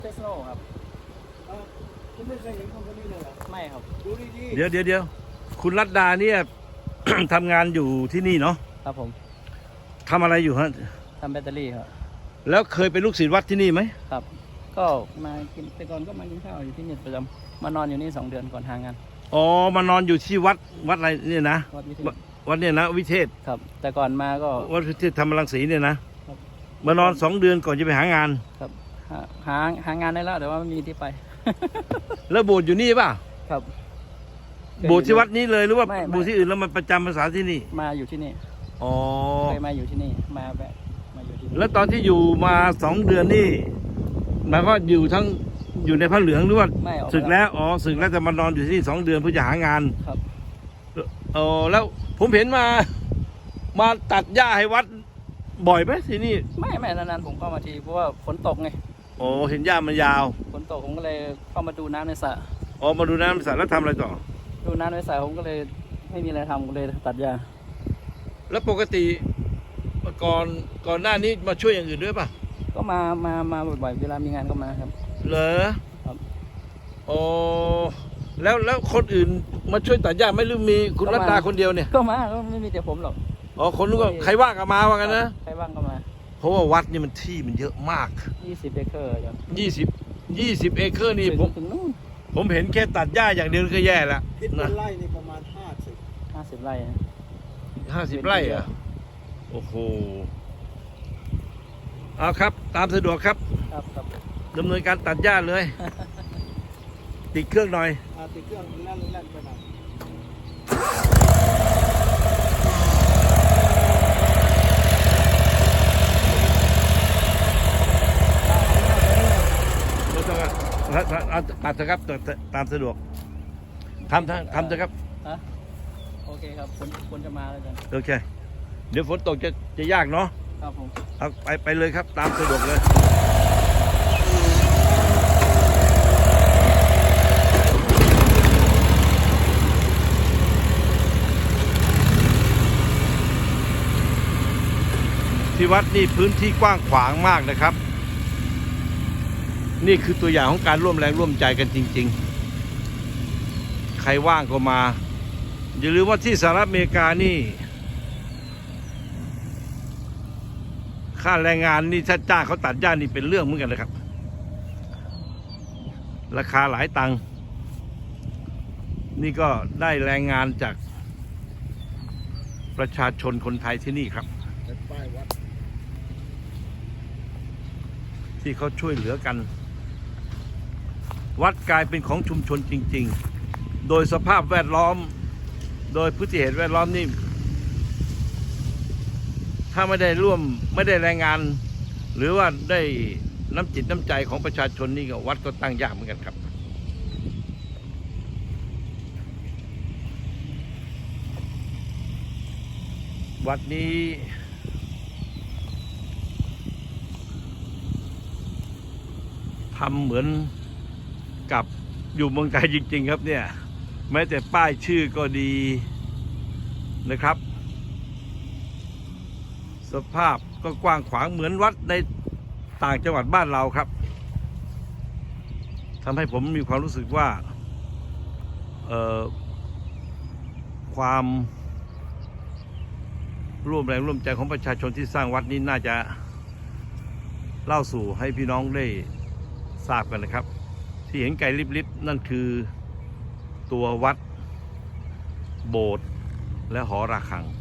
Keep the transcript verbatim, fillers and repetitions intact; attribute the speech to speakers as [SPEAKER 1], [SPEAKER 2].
[SPEAKER 1] เทสโนครับ
[SPEAKER 2] คุณไม่เคยเห็นคนคนนี้เลยเหรอ
[SPEAKER 1] ไม่ครับ
[SPEAKER 2] ดูดี
[SPEAKER 3] เดี๋ยวเดี๋ยวเดี๋ยวคุณรัตดาเนี่ย ทำงานอยู่ที่นี่เนาะ
[SPEAKER 1] ครับผม
[SPEAKER 3] ทำอะไรอยู่ฮะ
[SPEAKER 1] ทำแบตเตอรี่ครับ
[SPEAKER 3] แล้วเคยเป็นลูกศิษย์วัดที่นี่ไหม
[SPEAKER 1] ครับก็มากินแต่ก่อนก็มากินข้าวอยู่ที่นี่ประจำมานอนอยู่นี่สองเดือนก่อนทางงาน
[SPEAKER 3] อ๋อมานอนอยู่ที่วัดวัดอะไรเนี่ยนะ
[SPEAKER 1] วัดวิเทศ
[SPEAKER 3] วัดเนี่ยนะวิเทศ
[SPEAKER 1] ครับแต่ก่อนมาก็
[SPEAKER 3] วัดวิเทศธรรมรังสีเนี่ยนะมานอนสองเดือนก่อนจะไปหางาน
[SPEAKER 1] ครับหาหาหางานได้แล้วแต่ว่าไม่มีที่ไป
[SPEAKER 3] แล้วโบสถ์อยู่นี่ป่ะ
[SPEAKER 1] ครับ
[SPEAKER 3] โบสถ์ที่วัดนี้เลยหรือว่าโบสถ์ที่อื่นแล้วมันประจำภาษาที่นี่
[SPEAKER 1] มาอยู่ที่นี่
[SPEAKER 3] อ๋อ
[SPEAKER 1] เคยมาอยู่ที่นี่มาแบบมาอยู่ที่นี่
[SPEAKER 3] แล้วตอนที่อยู่มาสองเดือนนี่หมายก็อยู่ทั้งอยู่ในผ้าเหลืองหรือว่าศึกแล้วอ๋อศึกแล้วจะมานอนอยู่ที่นี่สองเดือนเพื่อจะหางาน
[SPEAKER 1] ครับ
[SPEAKER 3] อ๋อแล้วผมเห็นมามาตัดหญ้าให้วัดบ่อยไหมที่นี่
[SPEAKER 1] ไม่ไม่นานๆผมก็มาทีเพราะว่าฝนตกไง
[SPEAKER 3] โอ้เห็นหญ้ามันยาว
[SPEAKER 1] ฝนตกผมก็เลยเข้ามาดูน้ำในสระ
[SPEAKER 3] อ๋อมาดูน้ำในสระแล้วทำอะไรต่อ
[SPEAKER 1] ดูน้ำในสระผมก็เลยไม่มีอะไรทำก็เลยตัดหญ้า
[SPEAKER 3] แล้วปกติก่อนก่อนหน้านี้มาช่วยอย่างอื่นด้วยป่ะ
[SPEAKER 1] ก็มามามาบ่อยๆเวลามีงานก็มาครับ
[SPEAKER 3] เหรอ
[SPEAKER 1] ครับ
[SPEAKER 3] อ๋อแล้วแล้วคนอื่นมาช่วยตัดหญ้าไม่หรือมีคุณรัตดาคนเดียวเนี่ย
[SPEAKER 1] ก็มาก็ไม่มีแต่ผมหรอก
[SPEAKER 3] อ๋อคนนู้นก็ใครว่างก็มาว่ากันนะ
[SPEAKER 1] ใครว่างก็มา
[SPEAKER 3] เพราะว่าวัดนี่มันที่มันเยอะมาก
[SPEAKER 1] ยี่สิบเอเคอร์อย่าง
[SPEAKER 3] ยี่สิบยี่สิบเอเคอร์นี่ผมผมเห็นแค่ตัดหญ้าอย่างเดียวก็แย่แล้ว
[SPEAKER 2] คิดเป็นไร่นี่ประมาณห้าสิบ
[SPEAKER 1] ห้าสิบไร่
[SPEAKER 3] ห้าสิบไร่อะโอ้โหเอาครับตามสะดวกครับ
[SPEAKER 1] ครับครับ
[SPEAKER 3] ดำเนินการตัดหญ้าเลยติดเครื่องหน่อย
[SPEAKER 2] ติดเครื่องแล่นแล่นไปหน่อย
[SPEAKER 3] ตัดเถอะครับตามสะดวกทำทำเถอะครับ
[SPEAKER 1] โอเคครับคนคนจะมาแล้วกัน
[SPEAKER 3] โอเคเดี๋ยวฝนตกจะจะยากเนาะ
[SPEAKER 1] ครับผม
[SPEAKER 3] เอาไปไปเลยครับตามสะดวกเลยที่วัดนี่พื้นที่กว้างขวางมากนะครับนี่คือตัวอย่างของการร่วมแรงร่วมใจกันจริงๆใครว่างก็มาอย่าลืมว่าที่สหรัฐอเมริกานี่ค่าแรงงานนี่ถ้าจ้างเขาตัดหญ้านี่เป็นเรื่องเหมือนกันเลยครับราคาหลายตังค์นี่ก็ได้แรงงานจากประชาชนคนไทยที่นี่ครับที่เขาช่วยเหลือกันวัดกลายเป็นของชุมชนจริงๆโดยสภาพแวดล้อมโดยพฤติเหตุแวดล้อมนี่ถ้าไม่ได้ร่วมไม่ได้แรงงานหรือว่าได้น้ำจิตน้ำใจของประชาชนนี่ก็วัดก็ตั้งยากเหมือนกันครับวัดนี้ทำเหมือนกับอยู่เมืองไทยจริงๆครับเนี่ยแม้แต่ป้ายชื่อก็ดีนะครับสภาพก็กว้างขวางเหมือนวัดในต่างจังหวัดบ้านเราครับทำให้ผมมีความรู้สึกว่าความร่วมแรงร่วมใจของประชาชนที่สร้างวัดนี้น่าจะเล่าสู่ให้พี่น้องได้ทราบกันนะครับที่เห็นไกลลิบๆนั่นคือตัววัดโบสถ์และหอระฆัง